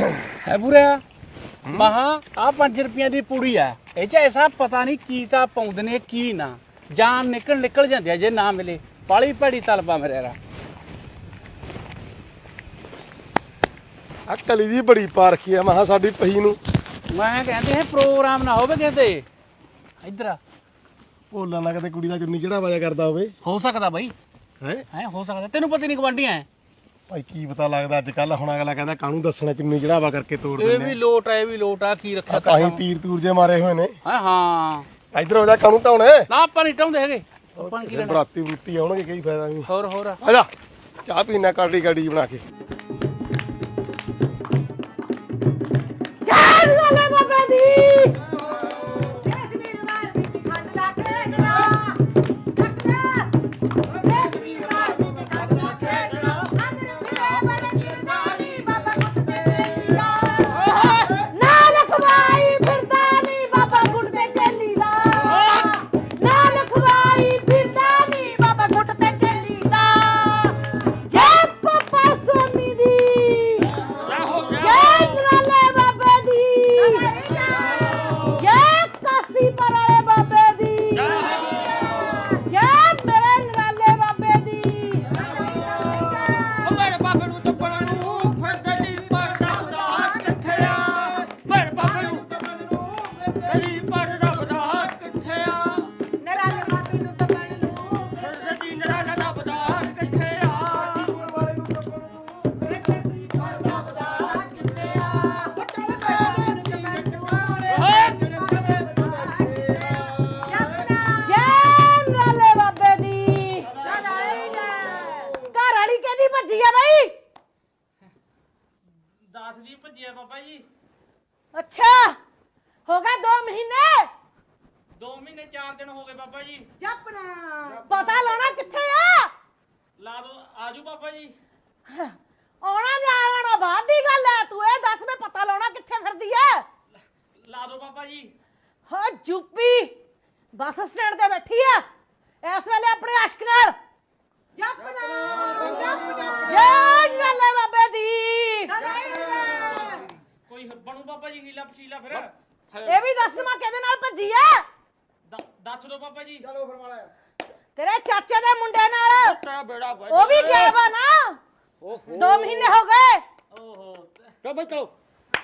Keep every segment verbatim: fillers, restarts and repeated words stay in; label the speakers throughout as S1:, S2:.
S1: है बुरा महा आ पांच रुपया की पूड़ी है ये ऐसा पता नहीं की ता पाउंदे ने की ना जान निकल निकल जाती है जे ना मिले पाली भैड़ी तलबा मेरे रा
S2: आ कली दी बड़ी पा रखी है महा साडी पही नूं
S1: मैं कहते हैं प्रोग्राम ना होवे कहते इधर
S2: भोला ना कदे कुड़ी दा चुन्नी चढ़ावा करदा होवे
S1: हो सकता बई
S2: है
S1: है हो सकता तेनू पता नहीं गवांढी है
S2: भाई की पता लगदा अज कल हुण अगला कहंदा कानू दसना चुन्नी चढ़ावा करके तोड़
S1: ये
S2: दिंदे
S1: भी लोट है ये भी लोट है की रखा
S2: ताही तीर तूर जे मारे होए ने
S1: हां हां
S2: इधर हो जा कानू ढाउणे
S1: ना ਆਪਾਂ ਨਹੀਂ ਟਾਉਂਦੇ ਹੈਗੇ ਆਪਾਂ ਕੀ ਲੈਣਾ
S2: ਬਰਾਤੀ ਬਰੂਤੀ ਆਉਣਗੇ ਕੀ ਫਾਇਦਾ ਨਹੀਂ
S1: ਹੋਰ ਹੋਰ
S2: ਆ ਜਾ ਚਾਹ ਪੀਣਾ ਕਾੜੀ ਕਾੜੀ ਬਣਾ ਕੇ
S3: ਜਾਨ ਵਾਲੇ ਬਾਬਾ ਦੀ ਇਸ ਵੀਰਵਾਰ ਦੀ ਖੰਡ ਦਾ ਖੇਡਣਾ ਟੱਕਰਾ ਇਸ ਵੀਰਵਾਰ ਦੀ ਖੰਡ ਦਾ ਖੇਡਣਾ ਅੰਦਰ ਫਿਰੇ ਬੜੇ ਕਿਰਦਾਰੀ ਬਾਬਾ ਗੁੱਟ ਦੇ ਚੱਲੀ ਦਾ ਨਾ ਲਖਵਾਈ ਫਿਰਦਾ ਨੀ ਬਾਬਾ ਗੁੱਟ ਦੇ ਚੱਲੀ ਦਾ ਨਾ ਲਖਵਾਈ ਫਿਰਦਾ ਨੀ ਬਾਬਾ ਗੁੱਟ ਤੇ ਚੱਲੀ ਦਾ ਜੈ ਪਪਾ ਸੋਮੀ ਦੀ ਜੈ ਨਰਾਲੇ ਬਾਬੇ ਦੀ ਜੈ ਕਾਸੀ ਪਰਾਲੇ ਬਾਬੇ ਦੀ ਜੈ ਮੇਰੇ ਨਰਾਲੇ ਬਾਬੇ ਦੀ
S4: ਮੇਰੇ ਬਾਬੇ ਨੂੰ ਟੱਪਣ ਨੂੰ ਫਿਰਦੇ ਦੀ ਪਰਦਾ ਬਦਾ ਕਿੱਥੇ ਆ ਮੇਰੇ ਬਾਬੇ ਨੂੰ ਟੱਪਣ ਨੂੰ ਫਿਰਦੇ ਦੀ ਪਰਦਾ ਬਦਾ ਕਿੱਥੇ ਆ
S3: ਨਰਾਲੇ ਬਾਬੇ ਨੂੰ ਤਪਣ ਨੂੰ
S4: ਫਿਰਦੇ ਦੀ ਨਰਾਲਾ ਦਾ ਬਦਾ ਕਿੱਥੇ ਆ
S3: ਵਾਲੇ ਨੂੰ ਤਪਣ ਨੂੰ ਫਿਰਦੇ ਸੀ ਪਰਦਾ ਬਦਾ ਕਿੱਥੇ ਆ ਚੱਲ ਪਿਆ ਨੂੰ ਜਮੈਂਟ ਜੈ ਨਰਾਲੇ ਬਾਬੇ ਦੀ ਘਰ ਵਾਲੀ ਕਿਹਦੀ ਭੱਜੀ ਆ ਬਈ
S4: ਦਸ ਦੀ ਭੱਜੀ ਆ ਬਾਬਾ ਜੀ
S3: ਅੱਛਾ ਹੋ ਗਏ ਦੋ ਮਹੀਨੇ
S4: ਦੋ ਮਹੀਨੇ ਚਾਰ ਦਿਨ ਹੋ ਗਏ ਬਾਬਾ ਜੀ
S3: ਜਪਨਾ ਪਤਾ ਲਾਉਣਾ ਕਿੱਥੇ ਆ
S4: ਲਾ ਦੋ ਆਜੂ ਬਾਬਾ ਜੀ
S3: ਆਉਣਾ ਜਾਣਾ ਬਾਅਦ ਦੀ ਗੱਲ ਹੈ ਤੂੰ ਇਹ ਦੱਸ ਮੈਂ ਪਤਾ ਲਾਉਣਾ ਕਿੱਥੇ ਫਿਰਦੀ ਐ
S4: ਲਾ ਦੋ ਬਾਬਾ ਜੀ
S3: ਹਾਂ ਯੂਪੀ ਬੱਸ ਸਟੈਂਡ ਤੇ ਬੈਠੀ ਆ ਇਸ ਵੇਲੇ ਆਪਣੇ ਆਸ਼ਕ ਨਾਲ ਜਪਨਾ ਜਪਨਾ ਜੈ ਨਰਾਲੇ ਬਾਬੇ ਦੀ
S4: ਕੋਈ ਬਣੂ ਬਾਬਾ ਜੀ ਹੀਲਾ ਪਛੀਲਾ ਫਿਰ
S3: ਇਹ ਵੀ ਦੱਸ ਮੈਂ ਕਿਹਦੇ ਨਾਲ ਭੱਜੀ ਐ
S4: ਦ- ਦੱਸ ਦੋ ਬਾਬਾ ਜੀ
S2: ਚਲੋ ਫਿਰ ਮਾੜਾ
S3: ਤੇਰੇ ਚਾਚੇ ਦੇ ਮੁੰਡੇ ਨਾਲ
S4: ਤੇਰਾ ਬੇੜਾ ਵੱਜ
S3: ਉਹ ਵੀ ਗਾਇਬ ਆ ਨਾ
S4: ਓਹੋ
S3: ਦੋ ਮਹੀਨੇ ਹੋ ਗਏ
S4: ਓਹੋ ਚਲੋ ਬਈ ਚਲੋ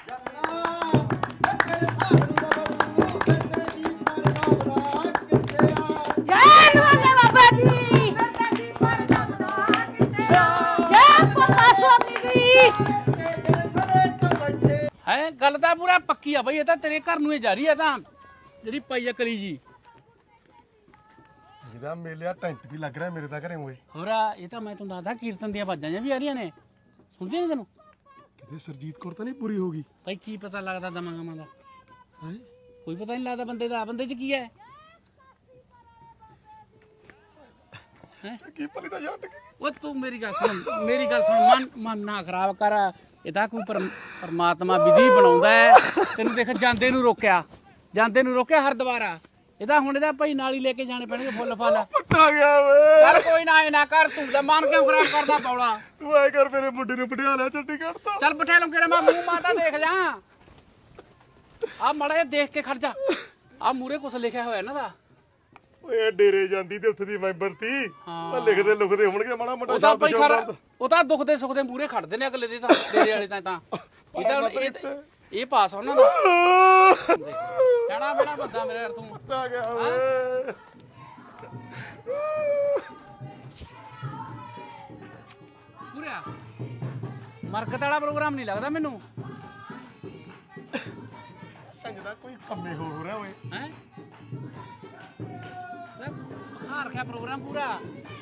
S3: ਜੈ ਨਰਾਲੇ ਬਾਬਾ ਦੀ ਜੈ ਪਪਾ ਸਵਾਮੀ ਦੀ
S1: है गल तो पूरा पक्की है बई ये तो तेरे घर नूं जा रही है ਤਾਂ ਜਿਹੜੀ ਪਈ ਆ ਕਲੀ ਜੀ
S2: ਜਿਹਦਾ ਮੇਲਿਆ ਟੈਂਟ ਵੀ ਲੱਗ ਰਿਹਾ ਮੇਰੇ ਤਾਂ ਘਰੇ ਹੋਏ
S1: ਹੋਰਾ ਇਹ ਤਾਂ ਮੈਂ ਤੁਹਾਨੂੰ ਦੱਸਦਾ ਕੀਰਤਨ ਦੀਆਂ ਆਵਾਜ਼ਾਂ ਜਿਹੀਆਂ ਵੀ ਆ ਰਹੀਆਂ ਨੇ ਸੁਣਦੀਆਂ ਨੇ ਤੈਨੂੰ
S2: ਕਿਤੇ ਸਰਜੀਤ ਕੌਰ ਤਾਂ ਨਹੀਂ ਪੂਰੀ ਹੋ ਗਈ
S1: ਭਾਈ ਕੀ ਪਤਾ ਲੱਗਦਾ ਦਮਾਂ ਗਮਾਂ ਦਾ
S2: ਹੈ
S1: ਕੋਈ ਪਤਾ ਨਹੀਂ ਲੱਗਦਾ ਬੰਦੇ ਦਾ ਬੰਦੇ 'ਚ ਕੀ ਹੈ
S2: ਕੀ ਭਲੀ ਤਾਂ ਛੱਡ ਕੇ
S1: ਉਹ ਤੂੰ ਮੇਰੀ ਗੱਲ ਸੁਣ ਮੇਰੀ ਗੱਲ ਸੁਣ ਮਨ ਮਨ ਨਾ ਖਰਾਬ ਕਰ ਇਹ ਤਾਂ ਕੋਈ ਪਰਮ- ਪਰਮਾਤਮਾ ਵਿਧੀ ਬਣਾਉਂਦਾ ਹੈ ਤੈਨੂੰ ਦੇਖ ਜਾਂਦੇ ਨੂੰ ਰੋਕਿਆ ਜਾਂਦੇ ਨੂੰ ਰੋਕਿਆ ਹਰ ਦੁਬਾਰਾ ਇਹਦਾ ਹੁਣ ਇਹਦਾ ਭਾਈ ਨਾਲ ਹੀ ਲੈ ਕੇ ਜਾਣੇ ਪੈਣਗੇ ਫੁੱਲ ਫਲ
S2: ਪੱਟਾ ਗਿਆ ਵੇ
S1: ਚੱਲ ਕੋਈ ਨਾ ਇਹ ਨਾ ਕਰ ਤੂੰ ਲੈ ਮਨ ਕਿਉਂ ਖਰਾਬ ਕਰਦਾ ਪੌੜਾ
S2: ਤੂੰ ਐ ਕਰ ਮੇਰੇ ਮੁੰਡੇ ਨੂੰ ਬਿਠਾ ਲਿਆ ਚੰਡੀਗੜ੍ਹ ਤੋਂ
S1: ਚੱਲ ਬਿਠਾ ਲੂੰ ਕਿਰਾ ਮੈਂ ਮੂੰਹ ਮਾਤਾ ਦੇਖ ਜਾ ਆ ਮੜਾ ਜਿਹਾ ਦੇਖ ਕੇ ਖੜ ਜਾ ਆ ਮੂਰੇ ਕੁਛ ਲਿਖਿਆ ਹੋਇਆ ਨਾ ਦਾ
S2: ਓਏ ਡੇਰੇ ਜਾਂਦੀ ਤੇ ਉੱਥੇ ਦੀ ਮੈਂਬਰ ਤੀ
S1: ਹਾਂ।
S2: ਉਹ ਲਿਖਦੇ ਲੁਖਦੇ ਹੋਣਗੇ ਮਾੜਾ ਮੋਟਾ
S1: ਉਹ ਤਾਂ
S2: ਸ਼ਬਦ
S1: ਭਾਈ
S2: ਸ਼ਬਦ
S1: ਖਰਾ ਉਹ ਤਾਂ ਦੁੱਖ ਦੇ ਸੁੱਖ ਦੇ ਮੂਰੇ ਖੜਦੇ ਨੇ ਅਗਲੇ ਦੇ ਤਾਂ ਤੇਰੇ ਵਾਲੇ ਤਾਂ ਤਾਂ ਇਹ ਤਾਂ ਹੁਣ ਇਹ ਇਹ ਪਾਸ ਉਹਨਾਂ ਦਾ ਜਾਣਾ ਬੜਾ ਬੰਦਾ ਮੇਰੇ ਯਾਰ ਤੂੰ
S2: ਪੱਟਾ ਗਿਆ ਓਏ
S1: ਪੂਰਾ ਮਰਕਤ ਵਾਲਾ ਪ੍ਰੋਗਰਾਮ ਨਹੀਂ ਲੱਗਦਾ ਮੈਨੂੰ
S2: ਚੰਗਦਾ ਕੋਈ ਕੰਮੇ ਹੋਰ ਹੋ ਰਿਹਾ ਓਏ
S1: ਹੈ ਬਖਾਰ ਰੱਖਿਆ ਪ੍ਰੋਗਰਾਮ ਪੂਰਾ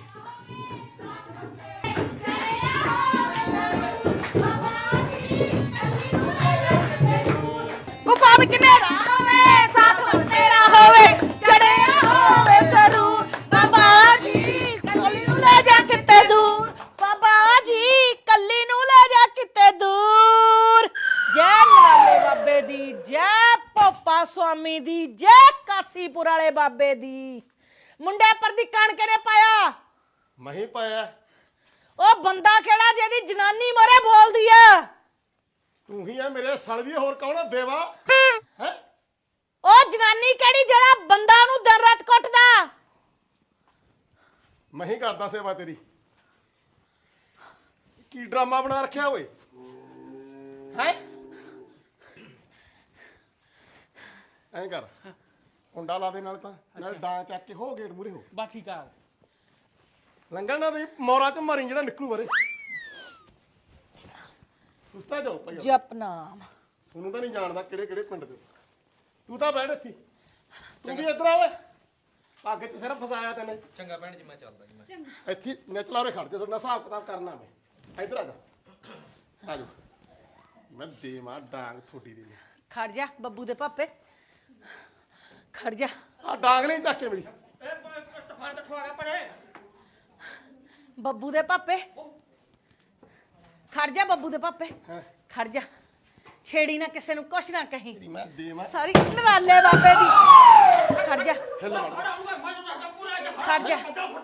S3: ਗੁਫਾ ਵਿੱਚ ਨੇਰਾ ਹੋਵੇ ਸਾਥ ਵਸ ਤੇਰਾ ਹੋਵੇ ਚੜਿਆ ਹੋਵੇ ਜ਼ਰੂਰ ਬਾਬਾ ਜੀ ਕੱਲੀ ਨੂੰ ਲੈ ਜਾ ਕਿਤੇ ਦੂਰ ਬਾਬਾ ਜੀ ਕੱਲੀ ਨੂੰ ਲੈ ਜਾ ਕਿਤੇ ਦੂਰ ਜੈ ਨਰਾਲੇ ਬਾਬੇ ਦੀ ਜੈ ਪੋਪਾ ਸਵਾਮੀ ਦੀ ਜੈ ਕਾਸੀਪੁਰ ਵਾਲੇ ਬਾਬੇ ਦੀ ਮੁੰਡੇ ਪਰ ਦੀ ਕਣਕ ਨੇ ਪਾਇਆ
S2: ਮੈਂ ਹੀ ਪਾਇਆ
S3: ਉਹ ਬੰਦਾ ਕਿਹੜਾ ਜਿਹਦੀ ਜਨਾਨੀ ਮਰੇ ਬੋਲਦੀ ਆ
S2: ਤੂੰ ਹੀ ਆ ਮੇਰੇ ਸਾਲੇ ਦੀ, ਹੋਰ ਕੌਣ ਆ ਬੇਵਾ ਹੈ?
S3: ਉਹ ਜਨਾਨੀ ਕਿਹੜੀ ਜਿਹੜਾ ਬੰਦਾ ਨੂੰ ਦਿਨ ਰਾਤ ਕੁੱਟਦਾ?
S2: ਮੈਂ ਹੀ ਕਰਦਾ ਸੇਵਾ ਤੇਰੀ। ਕੀ ਡਰਾਮਾ ਬਣਾ ਰੱਖਿਆ ਓਏ ਹੈ? ਐਂ ਕਰ, ਕੁੰਡਾ ਲਾ ਦੇ ਨਾਲ ਤਾਂ ਨਾਲ ਡਾਂ ਚੱਕ ਕੇ ਹੋ ਗੇਟ ਮੂਰੇ ਹੋ।
S1: ਬਾ ਠੀਕ ਆ।
S2: ਲੰਗਣ ਨਾ ਦੇ ਮੋਰਾ ਚ ਮਾਰੀ ਜਿਹੜਾ ਨਿਕਲੂ ਬਾਰੇ। ਉਸਤਾ ਜਾਓ ਭਾਈ,
S3: ਜਪਨਾਮ।
S2: ਤੁਹਾਨੂੰ ਤਾਂ ਨਹੀਂ ਜਾਣਦਾ ਕਿਹੜੇ ਕਿਹੜੇ ਪਿੰਡ ਦੇ। ਤੂੰ ਤਾਂ ਬੈਠ ਇੱਥੇ, ਤੂੰ ਵੀ ਇੱਧਰ ਆ ਓਏ। ਅੱਗ ਚ ਸਿਰਫ ਫਸਾਇਆ ਤੈਨੇ।
S4: ਚੰਗਾ ਭੈਣ ਜੀ, ਮੈਂ ਚੱਲਦਾ ਜੀ। ਮੈਂ
S2: ਇੱਥੇ ਨਿਚਲਾ ਉਰੇ ਖੜ ਜਾ, ਤੁਹਾਡਾ ਹਿਸਾਬ ਕਿਤਾਬ ਕਰਨਾ ਮੈਂ। ਇੱਧਰ ਆ ਜਾ, ਆ ਜਾ। ਮੈਂ ਦੇਵਾਂ ਡਾਂਗ ਥੋੜੀ ਦੀ।
S3: ਖੜ ਜਾ ਬੱਬੂ ਦੇ ਪਾਪੇ, ਖੜ ਜਾ।
S2: ਆ ਡਾਂਗ ਨਹੀਂ ਚੱਕ ਕੇ ਮੇਰੀ।
S4: ਫੰਡ ਖਵਾ ਗਿਆ ਪਰੇ।
S3: ਬੱਬੂ ਦੇ ਪਾਪੇ, ਖੜ ਜਾ ਬੱਬੂ ਦੇ ਪਾਪੇ,
S2: ਹਾਂ
S3: ਖੜ ਜਾ। ਛੇੜੀ ਨਾ ਕਿਸੇ ਨੂੰ, ਕੁਛ ਨਾ ਕਹੀਂ।
S2: ਤੇਰੀ ਮੈਂ ਦੇਵਾਂ।
S3: ਸਾਰੀ ਨਰਾਲੇ ਬਾਬੇ ਦੀ। ਖੜ ਜਾ,
S2: ਹਿੱਲ ਮਾਰ।
S3: ਖੜ ਜਾ।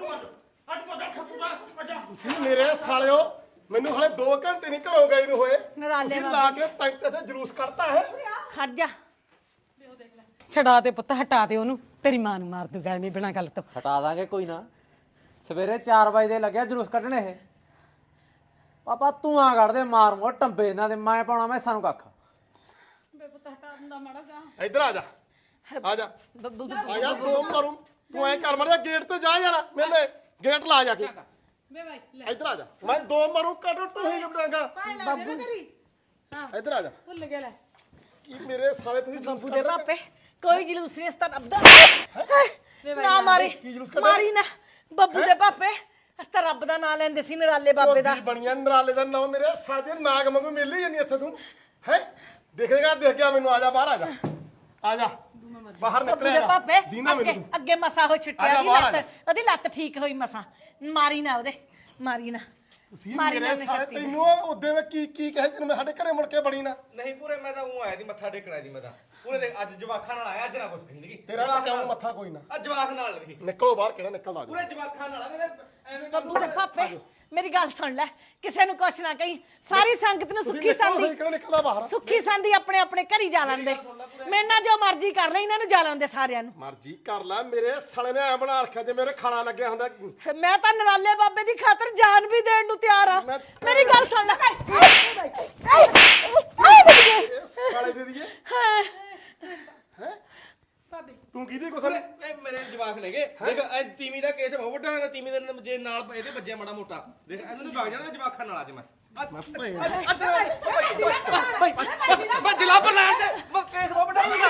S2: ਤੁਸੀਂ ਮੇਰੇ ਸਾਲਿਓ ਮੈਨੂੰ ਹਲੇ ਦੋ ਘੰਟੇ ਨਹੀਂ ਘਰੋਂ ਗਏ ਨੂੰ ਹੋਏ,
S3: ਨਰਾਲੇ
S2: ਤੁਸੀਂ
S3: ਬਾਬੇ।
S2: ਲਾ ਕੇ ਟੈਂਟ ਤੇ ਜਲੂਸ ਕੱਢਤਾ ਹੈ।
S3: ਖੜ ਜਾ।
S5: ਛਡਾ ਦੇ ਪੁੱਤ, ਹਟਾ ਦੇ ਉਹਨੂੰ, ਤੇਰੀ ਮਾਂ ਨੂੰ ਮਾਰ ਦੂਗਾ ਐਵੇਂ ਬਿਨਾਂ ਗੱਲ ਤੋਂ।
S6: ਹਟਾ ਦਾਂਗੇ ਕੋਈ ਨਾ। ਸਵੇਰੇ ਚਾਰ ਵਜੇ ਦੇ ਲੱਗਿਆ ਜਲੂਸ ਕੱਢਣੇ ਇਹ। ਪਾਪਾ ਤੂੰ ਆ ਕੱਢ ਦੇ ਮਾਰ ਮੋਰ ਟੰਬੇ ਇਹਨਾਂ ਦੇ, ਮੈਂ ਪਾਉਣਾ ਮੈਂ ਸਾਨੂੰ ਕੱਖ।
S2: ਇੱਧਰ ਆ ਜਾ, ਆ ਜਾ,
S3: ਬੱਬੂ ਦੇ
S2: ਆ ਜਾ। ਦੋ ਮਾਰੂ ਤੂੰ ਐ ਕਰ ਮਰਿਆ ਗੇਟ ਤੇ ਜਾ ਯਾਰ, ਮੇਰੇ ਗੇਟ ਲਾ ਜਾ ਕੇ। ਇੱਧਰ ਆ ਜਾ, ਮੈਂ ਦੋ ਮਾਰੂ ਕੱਢ ਤੂੰ ਹੀ ਗਬੜਾਂਗਾ।
S3: ਬੱਬੂ
S2: ਇੱਧਰ ਆ ਜਾ।
S3: ਭੁੱਲ ਗਿਆ ਲੈ।
S2: ਕੀ ਮੇਰੇ ਸਾਲੇ ਤੁਸੀਂ ਜਲੂਸ
S3: ਬੱਬੂ ਦੇ
S2: ਕੱਢ ਰਹੇ?
S3: ਪਾਪੇ ਕੋਈ ਜਲੂਸ ਨਹੀਂ ਇਸ ਤਰ੍ਹਾਂ ਰੱਬ ਦਾ। ਨਾ ਮਾਰੀ,
S2: ਕੀ ਜਲੂਸ ਕੱਢਿਆ?
S3: ਮਾਰੀ ਨਾ ਬੱਬੂ ਦੇ ਪਾਪੇ। ਅਸ ਤਾਂ ਰੱਬ ਦਾ ਨਾਂ ਲੈਂਦੇ ਸੀ ਨਰਾਲੇ ਬਾਬੇ ਦਾ।
S2: ਝੋਟੀ ਬਣੀਆਂ ਨਰਾਲੇ ਦਾ ਨਾਮ ਮੇਰੇ ਸਾਜੇ ਨਾਗ ਵਾਂਗੂ ਮਿਲ ਹੀ ਜਾਂਦੀ ਇੱਥੇ ਤੂੰ ਹੈ। ਦੇਖੇਗਾ ਦੇਖ ਗਿਆ ਮੈਨੂੰ। ਆ ਜਾ ਬਾਹਰ, ਆ ਜਾ, ਆ ਜਾ ਬਾਹਰ
S3: ਬੱਬੂ ਦੇ
S2: ਨਿਕਲਿਆ
S3: ਪਾਪੇ
S2: ਦੀਨਾ
S3: ਅੱਗੇ
S2: ਮੈਨੂੰ।
S3: ਅੱਗੇ ਮਸਾ ਹੋ
S2: ਆ
S3: ਛੁੱਟਿਆ
S2: ਜਾ
S3: ਦੀ
S2: ਬਾਹਰ, ਆ
S3: ਲੱਤ, ਉਹਦੀ ਲੱਤ ਠੀਕ ਹੋਈ ਮਸਾ। ਮਾਰੀ ਨਾ ਉਹਦੇ, ਮਾਰੀ ਨਾ।
S2: ਤੁਸੀਂ
S3: ਮਾਰੀ
S2: ਮੇਰੇ
S3: ਨਾ
S2: ਸਾਲੇ
S3: ਸ਼ਕਤੀ ਨਾਲ।
S2: ਤੈਨੂੰ ਉਹਦੇ ਵਿੱਚ ਕੀ ਕੀ ਕਹੇ ਤੈਨੂੰ ਮੈਂ ਸਾਡੇ ਘਰੇ ਮੁੜ ਕੇ ਬਣੀ ਨਾ।
S7: ਨਹੀਂ ਪੂਰੇ ਮੈਂ ਤਾਂ ਉਹ ਆਇਆ ਦੀ ਮੱਥਾ ਟੇਕਣਾ ਦੀ। ਮੈਂ ਤਾਂ ਉਹਨੇ ਦੇਖ ਅੱਜ ਜਵਾਖਾਂ ਨਾਲ ਆਇਆ, ਅੱਜ ਨਾ ਕੁਛ ਕਹੀ ਨਹੀਂ।
S2: ਤੇਰਾ ਤਾਂ ਕਿਉਂ ਮੱਥਾ ਕੋਈ ਨਾ।
S7: ਅੱਜ ਜਵਾਖ ਨਾਲ ਨਹੀਂ,
S2: ਨਿਕਲੋ ਬਾਹਰ, ਕਿਹੜਾ ਨਿਕਲਦਾ
S7: ਪੂਰੇ
S2: ਜੀ।
S7: ਜਵਾਖਾਂ ਨਾਲ ਆ ਮੇਰੇ। ਐਵੇਂ
S3: ਬੱਬੂ ਦੇ ਪਾਪੇ ਮੇਰੀ ਗੱਲ ਸੁਣ ਲੈ, ਕਿਸੇ ਨੂੰ ਕੁਛ ਨਾ ਕਹੀਂ। ਸਾਰੀ ਸੰਗਤ ਨੂੰ
S2: ਤੁਸੀਂ
S3: ਸੁੱਖੀ
S2: ਨਿਕਲੋ
S3: ਸੰਦੀ,
S2: ਸਹੀ, ਕਿਹੜਾ ਨਿਕਲਦਾ ਬਾਹਰ।
S3: ਸੁੱਖੀ ਸੰਦੀ ਆਪਣੇ ਆਪਣੇ ਘਰੀ ਜਾ ਲੈਂਦੇ। ਮੇਰੇ ਨਾਲ ਜੋ ਮਰਜ਼ੀ ਕਰ ਲੈ, ਇਹਨਾਂ ਨੂੰ ਜਾ ਲੈਂਦੇ ਸਾਰਿਆਂ ਨੂੰ।
S2: ਮਰਜ਼ੀ ਕਰ ਲੈ, ਮੇਰੇ ਸਾਲੇ ਨੇ ਐ ਬਣਾ ਰੱਖਿਆ ਜੇ ਮੇਰੇ ਖਾਣਾ ਲੱਗਿਆ ਹੁੰਦਾ।
S3: ਮੈਂ ਤਾਂ ਨਰਾਲੇ ਬਾਬੇ ਦੀ ਖਾਤਰ ਜਾਨ ਵੀ ਦੇਣ ਨੂੰ ਤਿਆਰ ਆ।
S2: ਮੈਂ-
S3: ਮੇਰੀ ਗੱਲ ਸੁਣ ਲੈ।
S2: ਇਹ ਸਾਲੇ ਦੇ ਦੀਏ ਹੈ। ਤੂੰ ਕਿਹਦੀ ਕੁਛ ਨੇ?
S7: ਇਹ ਮੇਰੇ ਜਵਾਖ ਨੇਗੇ। ਦੇਖ ਇਹ ਤੀਵੀਂ ਦਾ ਕੇਸ ਬਹੁਤ ਵੱਡਾ ਹੋਇਆ। ਤੀਵੀਂ ਦੇ ਜੇ ਨਾਲ ਇਹਦੇ ਵੱਜਿਆ ਮਾੜਾ ਮੋਟਾ, ਦੇਖ ਇਹਨੂੰ ਵੀ ਵਗ ਜਾਣਾ ਜਵਾਖਾਂ ਨਾਲ ਅੱਜ ਮੈਂ।
S2: ਮੈਂ ਭੈਣ
S7: ਮੈਂ ਜਿਲਾ ਪਰ ਲੈਣ ਦੇ ਮੈਂ ਕੇਸ ਬਹੁਤ ਵੱਡਾ ਹੋਇਆ।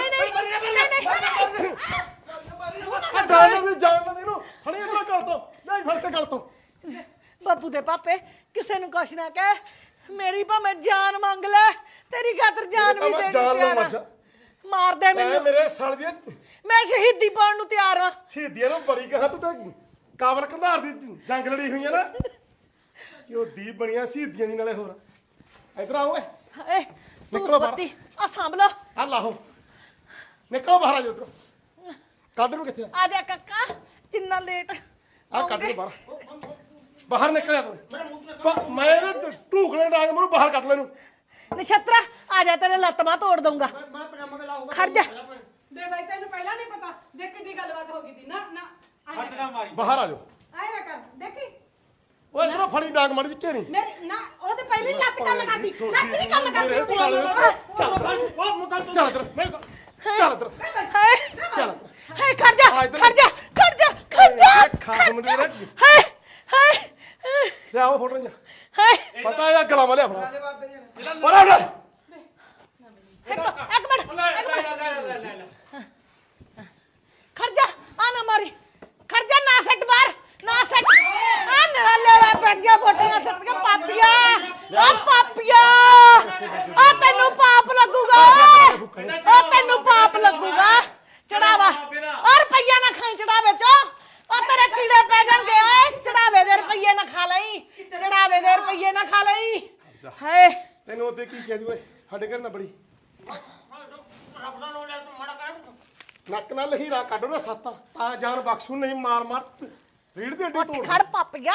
S2: ਜਾਣ ਨਾ ਦੇ, ਜਾਣ ਨਾ ਦੇ ਇਹਨੂੰ। ਫੜੀ ਇਹਨੂੰ ਗੱਲ ਤੋਂ, ਨਹੀਂ ਫੜ ਕੇ ਗੱਲ ਤੋਂ।
S3: ਬੱਬੂ ਦੇ ਪਾਪੇ ਕਿਸੇ ਨੂੰ ਕੁਛ ਨਾ ਕਹਿ। ਮੇਰੀ ਭਾਵੇਂ ਜਾਨ ਮੰਗ ਲੈ, ਤੇਰੀ ਖਾਤਰ ਜਾਨ
S2: ਤਾਂ
S3: ਵੀ
S2: ਮੈਂ
S3: ਦੇਣ
S2: ਜਾਨ
S3: ਨੂੰ
S2: ਲਊਂ
S3: ਤਿਆਰ
S2: ਅੱਜ।
S3: ਆ। ਮਾਰ ਦੇ
S2: ਐ
S3: ਮੈਨੂੰ,
S2: ਮੇਰੇ ਸਾਲੇ ਦੀ
S3: ਮੈਂ ਸ਼ਹੀਦੀ ਪਾਉਣ ਨੂੰ ਤਿਆਰ ਆ।
S2: ਸ਼ਹੀਦੀਆਂ ਨੂੰ ਬੜੀ ਕਹਾ ਤੂੰ ਤਾਂ ਕਾਬਲ ਕੰਧਾਰ ਦੀ ਜੰਗ ਲੜੀ ਹੋਈ ਹੈ ਨਾ। ਕਿਉਂ ਦੀ ਬਣੀਆਂ ਸ਼ਹੀਦੀਆਂ ਦੀ ਨਾਲੇ ਹੋਰ। ਇੱਧਰ ਆਓ ਓਏ,
S3: ਏ
S2: ਨਿਕਲੋ ਬਾਹਰ।
S3: ਆ ਸਾਂਭ ਲੋ।
S2: ਆ ਲਾਹੋ, ਨਿਕਲੋ ਬਾਹਰ ਆ ਜਾ ਉੱਧਰੋਂ। ਕੱਢ ਨੂੰ ਕਿੱਥੇ ਆ?
S3: ਆ ਜਾ ਕਾਕਾ, ਜਿੰਨਾ ਲੇਟ
S2: ਆ ਕੱਢ ਨੂੰ ਬਾਹਰ, ਬਾਹਰ ਨਿਕਲਿਆ ਤੂੰ। ਪ- ਮੈਂ ਨਾ ਢੂਕਲੇ ਡਾਂਗ ਮੈਨੂੰ ਬਾਹਰ ਕੱਢ ਲੈ ਨੂੰ।
S3: ਨਛੱਤਰਾ ਆ ਜਾ, ਤੇਰੇ ਲੱਤ ਮਾਂ ਤੋੜ ਦਊਂਗਾ। ਖੜ ਜਾ।
S5: ਦੇ ਬਾਈ ਤੈਨੂੰ ਪਹਿਲਾਂ ਨਹੀਂ ਪਤਾ, ਦੇਖ ਕਿੱਡੀ ਗੱਲਬਾਤ ਹੋ ਗਈ ਸੀ ਨਾ ਨਾ
S1: ਹੱਟ ਨਾ ਮਾਰੀ।
S2: ਬਾਹਰ ਆ ਜਾਓ।
S5: ਆਏ ਨਾ ਕਰ ਦੇਖੀ
S2: ਓਏ ਇਧਰੋਂ ਫੜੀ ਡਾਂਗ ਮਾਰੀ ਦੀ ਘੇਰੀ।
S5: ਮੇਰੀ ਨਾ ਉਹ ਤੇ ਪਹਿਲੀ ਲੱਤ ਕੰਮ ਕਰਦੀ, ਲੱਤ ਨਹੀਂ ਕੰਮ
S2: ਮੇਰੇ
S5: ਕਰਦੀ।
S2: ਸਾਲੇ ਨੂੰ-
S1: ਉਹ ਮੁਕਲ
S2: ਚੱਲ ਇੱਧਰ, ਚੱਲ ਇੱਧਰ,
S3: ਹਾਏ
S2: ਚੱਲ ਇੱਧਰ।
S3: ਹਾਏ ਖੜ ਜਾ,
S2: ਆ ਇੱਧਰ।
S3: ਖੜ ਜਾ, ਖੜ ਜਾ, ਖੜ ਜਾ।
S2: ਇਹ ਖਾਸਮ ਦੇ ਨਾ
S3: ਹਾਏ ਹਾਏ
S2: ਲਿਆਓ ਫੋਟੋ ਜਾ।
S3: ਹਾਏ
S2: ਪਤਾ ਇਹ ਗਲਾ ਵਾਲੇ ਆਪਣਾ ਬੜਾ ਬੜਾ
S3: ਇੱਕ ਇੱਕ ਮਿੰਟ,
S1: ਲੈ ਲੈ ਲੈ ਲੈ ਲੈ ਲੈ।
S3: ਖੜ ਜਾ। ਆ ਨਾ ਮਾਰੀ, ਖੜ ਜਾ। ਨਾ ਸੱਟ ਬਾਹਰ, ਨਾ ਸੱਟ। ਆ ਨਰਾਲੇ ਵਾ ਪੈਂਦੀਆਂ ਫੋਟੀਆਂ ਸੱਟ ਕੇ ਪਾਪੀਆ। ਆ ਪਾਪੀਆ, ਆ ਤੈਨੂੰ ਪਾਪ ਲੱਗੂਗਾ। ਆ ਤੈਨੂੰ ਪਾਪ ਲੱਗੂਗਾ। ਚੜਾਵਾ ਔਰ ਰੁਪਈਆ ਨਾ ਖਾਈ ਚੜਾਵੇ ਚੋ। ਆ ਤੇਰੇ ਕੀੜੇ ਪੈ ਜਾਣਗੇ। ਓਏ ਚੜਾਵੇ ਦੇ ਰੁਪਈਏ ਨਾ ਖਾ ਲਈ, ਚੜਾਵੇ ਦੇ ਰੁਪਈਏ ਨਾ ਖਾ ਲਈ। ਹਾਏ
S2: ਤੈਨੂੰ ਉਹਦੇ ਕੀ ਕਹਿ ਦੂ ਓਏ ਸਾਡੇ ਘਰ ਨਾ ਬੜੀ
S4: ਰੱਬ ਦਾ ਨਾਮ ਲੈ ਤੂੰ ਮਾੜਾ ਕਰ।
S2: ਨੱਕ ਨਾਲ ਹੀਰਾ ਕੱਢ ਨਾ ਸੱਤ ਤਾਂ ਜਾਨ ਬਖਸ਼ੂ ਨਹੀਂ। ਮਾਰ ਮਾਰ ਰੀੜ ਦੀ ਅੱਡੀ ਤੋੜ
S3: ਖੜ ਪਾਪੀਆ।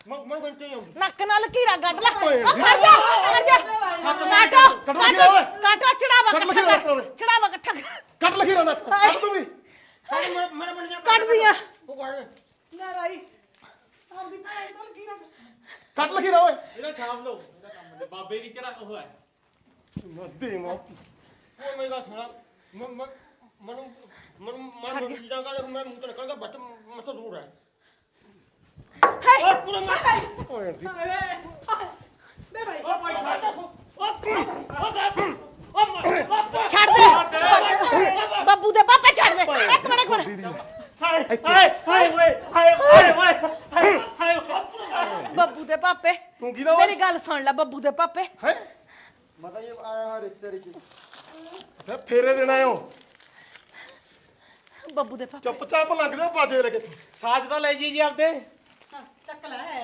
S7: ਮੈਂ ਮੈਂ ਬੰਤੇ ਆਉਂਦੀ
S3: ਨੱਕ ਨਾਲ ਲਕੀਰਾ ਕੱਢ ਲੈ ਉਹ ਖੜ ਜਾ ਖੜ ਜਾ ਕਾਟੋ
S2: ਕੱਢ ਲਕੀਰਾਂ ਓਏ।
S3: ਕਾਟੋ ਚੜਾਵਾ
S2: ਕੱਢ
S3: ਇਕੱਠਾ
S2: ਲਕੀਰਾਂ
S3: ਕਰ
S2: ਓਏ।
S3: ਚੜਾਵਾ ਇਕੱਠਾ ਕਰ
S2: ਕੱਟ ਲਖੀਰਾ ਨਾ ਕੱਟ ਤੂੰ ਵੀ
S7: ਮੈਂ ਮੈਂ ਬਣ ਜਾ
S3: ਕੱਢ ਦੀਆਂ
S7: ਉਹ ਕਰ
S3: ਲੈ ਭਾਈ ਆਪਦੀ ਭੈਣ ਤੋਂ ਲਕੀਰਾ
S2: ਕੱਟ ਲਖੀਰਾ ਓਏ
S7: ਇਹਦਾ ਛਾਪ ਲਓ ਇਹਦਾ ਕੰਮ ਦੇ ਬਾਬੇ ਦੀ ਕਿਹੜਾ ਉਹ ਹੈ
S2: ਮੱਦੀ ਮੋ
S7: ਉਹ ਮੇਰਾ ਖੜਾ ਮੈਂ ਮੈਂ ਮਨੂੰ ਮਨੂੰ ਮੈਂ ਜਿੱਦਾਂ ਕਰ ਮੈਂ ਮੂੰਹ ਤੇ ਨਿਕਲਦਾ ਬੱਟ ਮੈਂ ਤਾਂ ਦੂਰ ਹੈ
S3: ਹਾਏ
S7: ਉਹ ਪੂਰਾ ਮੈਂ
S2: ਓਏ ਦੀ
S3: ਬੇ ਭਾਈ
S7: ਉਹ ਭਾਈ ਛੱਡ ਉਹ ਉਹ ਸਾਹਿਬ ਉਹ ਮੈਂ
S3: ਛੱਡ ਦੇ ਬੱਬੂ ਦੇ ਪਾਪੇ ਛੱਡ ਦੇ ਇੱਕ ਮਿੰਟ ਇੱਕ ਮਿੰਟ
S7: ਹਾਏ ਹਾਏ ਹਾਏ ਓਏ ਹਾਏ ਹਾਏ ਓਏ ਹਾਏ ਹਾਏ
S3: ਬੱਬੂ ਦੇ ਪਾਪੇ
S2: ਤੂੰ ਕਿਹਦਾ ਓਏ?
S3: ਮੇਰੀ ਗੱਲ ਸੁਣ ਲੈ ਬੱਬੂ ਦੇ ਪਾਪੇ
S2: ਹੈ
S8: ਮਤਾ ਇਹ ਆਇਆ ਹਾਂ ਰਿਸ਼ਤੇਦਾਰੀ ਚ
S2: ਤੇ ਫੇਰੇ ਦੇਣਾ ਆਇਓ
S3: ਬੱਬੂ ਦੇ ਪਾਪੇ
S2: ਚੁੱਪਚਾਪ ਲੰਘ ਜਾਓ ਬਾਜੇ ਲੈ ਕੇ
S6: ਸਾਜ ਤਾਂ ਲੈ ਜੀ ਜੀ ਆਪਦੇ
S3: ਚੱਕ ਲੈ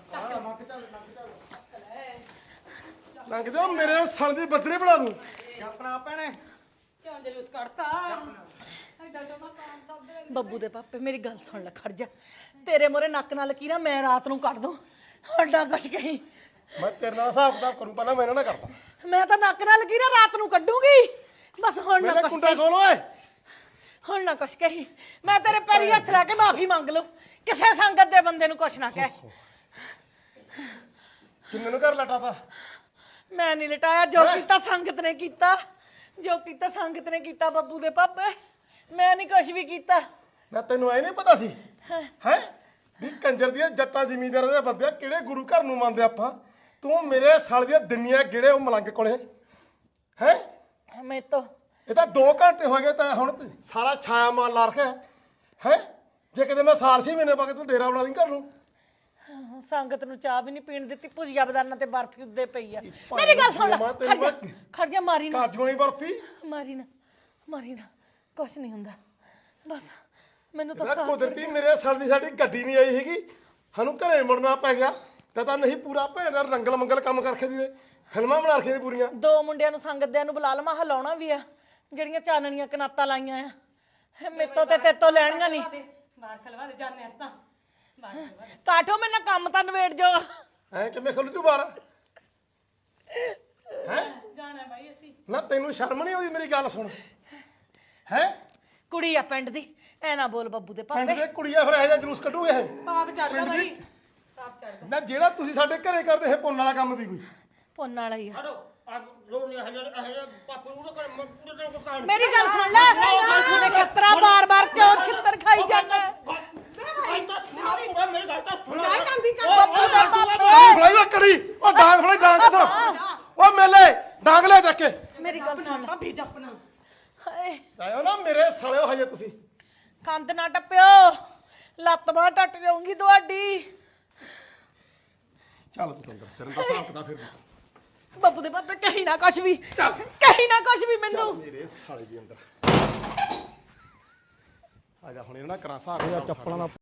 S2: ਲੰਘ ਜਾਓ ਮੇਰੇ ਸਣ ਦੀ ਬੱਦਰੇ ਬਣਾ ਦੂੰ
S6: ਆਪਣਾ ਭੈਣੇ
S3: ਕਿਉਂ ਜਲੂਸ ਕੱਢਤਾ ਬੱਬੂ ਦੇ ਪਾਪੇ ਮੇਰੀ ਗੱਲ ਸੁਣ ਲੈ ਖੜ ਜਾ ਤੇਰੇ ਮੋਰੇ ਨੱਕ ਨਾਲ ਲਕੀਰਾਂ ਮੈਂ ਰਾਤ ਨੂੰ ਕੱਢ ਦੂੰ ਹੱਡਾ ਕੁਛ ਕਹੀਂ
S2: ਮੈਂ ਤੇਰੇ ਨਾਲ ਹਿਸਾਬ ਕਿਤਾਬ ਕਰੂੰ ਪਹਿਲਾਂ ਮੈਂ ਇਹਨਾਂ ਨਾਲ ਕਰਦਾ
S3: ਮੈਂ ਤਾਂ ਨੱਕ ਨਾਲ ਲਕੀਰਾਂ ਰਾਤ ਨੂੰ ਕੱਢੂਗੀ ਬਸ ਹੁਣ ਨਾ
S2: ਮੇਰੇ
S3: ਕੁਛ
S2: ਕੁੰਡਾ ਖੋਲ ਓਏ
S3: ਹੁਣ ਨਾ ਕੁਛ ਕਹੀਂ ਮੈਂ ਤੇਰੇ ਪੈਰੀ ਹੱਥ ਲਾ ਕੇ ਮਾਫੀ ਮੰਗ ਲਊ ਕਿਸੇ ਸੰਗਤ ਦੇ ਬੰਦੇ ਨੂੰ ਕੁਛ ਨਾ ਕਹਿ
S2: ਕਿੰਨੇ ਨੂੰ ਘਰ ਲਟਾਤਾ
S3: ਮੈਂ ਨਹੀਂ ਲਟਾਇਆ ਜੋ ਕੀਤਾ ਸੰਗਤ ਨੇ ਕੀਤਾ ਜੋ ਕੀਤਾ ਸੰਗਤ ਨੇ ਕੀਤਾ ਬੱਬੂ ਦੇ ਪਾਪੇ ਮੈਂ ਨਹੀਂ ਕੁਛ ਵੀ ਕੀਤਾ
S2: ਨਾ ਤੈਨੂੰ ਐ ਨਹੀਂ ਪਤਾ ਸੀ ਹੈ ਵੀ ਕੰਜਰ ਦੀਆਂ ਜੱਟਾਂ ਜ਼ਿਮੀਂਦਾਰਾਂ ਦੇ ਬੰਦੇ ਕਿਹੜੇ ਗੁਰੂ ਘਰ ਨੂੰ ਮੰਨਦੇ ਆਪਾਂ ਤੂੰ ਮੇਰੇ ਸਾਲ ਦੀਆਂ ਦੁਨੀਆ ਕਿਹੜੇ ਉਹ ਮਲੰਗ ਕੋਲੇ ਹੈ
S3: ਮੈਂ ਤਾਂ
S2: ਇਹ ਤਾਂ ਦੋ ਘੰਟੇ ਹੋ ਗਏ ਤਾਂ ਹੁਣ ਤੇ ਸਾਰਾ ਛਾਇਆ ਮਾਰ ਲਾ ਰੱਖਿਆ ਹੈ ਜੇ ਕਿਤੇ ਮੈਂ ਸਾਲ ਛੇ ਮਹੀਨੇ ਬਾਅਦ ਤੂੰ ਡੇਰਾ ਬਣਾ ਦੀ ਘਰ ਨੂੰ
S3: ਸੰਗਤ ਨੂੰ ਚਾਹ ਵੀ ਨਹੀਂ ਪੀਣ ਦਿੱਤੀ ਭੁਜੀਆ ਬਦਾਨਾ ਤੇ ਬਰਫੀ ਉੱਦੇ ਪਈ ਆ ਮੇਰੀ ਗੱਲ ਸੁਣ ਲੈ
S2: ਮੈਂ
S3: ਖੜ
S2: ਤੈਨੂੰ
S3: ਜਾ
S2: ਮੈਂ-
S3: ਖੜ ਜਾ ਮਾਰੀ ਨਾ
S2: ਕਾਜੂ ਵਾਲੀ ਬਰਫੀ
S3: ਮਾਰੀ ਨਾ ਮਾਰੀ ਨਾ ਕੁਛ ਨਹੀਂ ਹੁੰਦਾ ਬਸ ਮੈਨੂੰ ਤਾਂ
S2: ਇਹਦਾ
S3: ਸਾਥ
S2: ਕੁਦਰਤੀ ਮੇਰੇ ਸਾਲ ਦੀ ਸਾਡੀ ਗੱਡੀ ਨਹੀਂ ਆਈ ਹੈਗੀ ਸਾਨੂੰ ਘਰੇ ਮੁੜਨਾ ਪੈ ਗਿਆ ਤਾਂ ਤਾਂ ਨਹੀਂ ਪੂਰਾ ਭੈਣ ਦਾ ਰੰਗਲ ਮੰਗਲ ਕੰਮ ਕਰਕੇ ਦੀ ਫਿਲਮਾਂ ਬਣਾ ਰੱਖੀਆਂ ਦੀ ਪੂਰੀਆਂ
S3: ਦੋ ਮੁੰਡਿਆਂ ਨੂੰ ਸੰਗਤ ਦਿਆਂ ਨੂੰ ਬੁਲਾ ਲਵਾਂ ਹਲਾਉਣਾ ਵੀ ਆ ਜਿਹੜੀਆਂ ਚਾਨਣੀਆਂ ਕਨਾਤਾਂ ਲਾਈਆਂ ਆ ਮੇਤੋਂ ਤੇ ਤੇਤੋਂ ਲੈਣੀਆਂ ਨਹੀਂ
S5: ਬਾਹਰ ਖਲਵਾ ਦੇ ਜਾਣੇ ਅਸਤਾ
S3: ਕਾਟੋ ਮੈਨਾਂ ਕੰਮ ਤਾਂ ਨਵੇੜ ਜੋ
S2: ਐ ਕਿਵੇਂ ਖੁੱਲ ਤੂੰ ਬਾਹਰ ਹੈ
S5: ਜਾਣਾ ਬਾਈ ਅਸੀਂ
S2: ਨਾ ਤੈਨੂੰ ਸ਼ਰਮ ਨਹੀਂ ਆਉਂਦੀ ਮੇਰੀ ਗੱਲ ਸੁਣ ਹੈ
S3: ਕੁੜੀ ਆ ਪਿੰਡ ਦੀ ਐ ਨਾ ਬੋਲ ਬੱਬੂ ਦੇ
S2: ਪਿੰਡ
S3: ਪਾਪੇ
S2: ਦੇ ਕੁੜੀਆਂ ਫਿਰ ਇਹੋ ਜਿਹਾ ਜਲੂਸ ਕੱਢੂਗੇ ਇਹ
S5: ਪਾਪ ਚੜਦਾ
S2: ਪਿੰਡ
S5: ਬਾਈ
S2: ਦੀ
S5: ਪਾਪ ਚੜਦਾ
S2: ਨਾ ਜਿਹੜਾ ਤੁਸੀਂ ਸਾਡੇ ਘਰੇ ਕਰਦੇ ਇਹ ਪੁੰਨ ਵਾਲਾ ਕੰਮ ਵੀ ਕੋਈ
S3: ਪੁੰਨ ਵਾਲਾ ਹੀ ਆ
S7: ਹਟੋ ਆ ਲੋੜ ਨਹੀਂ ਹਜ਼ਾਰ ਹਜ਼ਾਰ ਪਾਪੂ ਨੂੰ ਕਰ ਮੈਂ ਪੂਰੇ ਦਿਨ ਕੋ ਕਾਣ
S3: ਮੇਰੀ ਗੱਲ ਸੁਣ ਲੈ ਨਛੱਤਰਾ ਬਾਰ-ਬਾਰ ਕਿਉਂ ਛਿੱਤਰ ਖਾਈ ਜਾਂਦਾ
S7: ਮੇਰੀ ਗੱਲ ਤਾਂ
S5: ਚਾਹ ਕਾਂਦੀ ਕਰ
S3: ਬੱਬੂ ਦੇ ਪਾਪੇ
S2: ਡਾਂਗ ਫੜਾਈ ਓ ਕੜੀ ਉਹ ਡਾਂਗ ਫੜਾਈ ਡਾਂਗ ਇੱਧਰ ਓ ਮੇਲੇ ਡਾਂਗ ਲੈ ਚੱਕ ਕੇ
S3: ਮੇਰੀ ਗੱਲ ਸੁਣ ਲੈ
S5: ਭਾਬੀ ਜਪਨਾ
S3: ਹਾਏ
S2: ਆਇਓ ਨਾ ਮੇਰੇ ਸਾਲਿਓ ਹਜੇ ਤੁਸੀਂ
S3: ਕੰਧ ਨਾ ਟੱਪਿਓ ਲੱਤ ਬਾਂਹ ਟੱਟ ਜਾਊਂਗੀ ਤੁਹਾਡੀ
S2: ਚੱਲ ਤੂੰ ਅੰਦਰ ਫਿਰ ਦਾ ਹਿਸਾਬ ਕਿਤਾਬ ਫਿਰ
S3: ਬੱਬੂ ਦੇ ਪਾਪੇ ਕਹੀ ਨਾ ਕੁਛ ਵੀ ਕਹੀ ਨਾ ਕੁਛ ਵੀ ਮੈਨੂੰ
S2: ਮੇਰੇ ਸਾਲੇ ਦੇ ਅੰਦਰ ਆ ਜਾ ਹੁਣ ਇਹਨਾਂ ਕਰਾਂ ਹਿਸਾਬ ਚੱਪਲਾਂ ਦਾ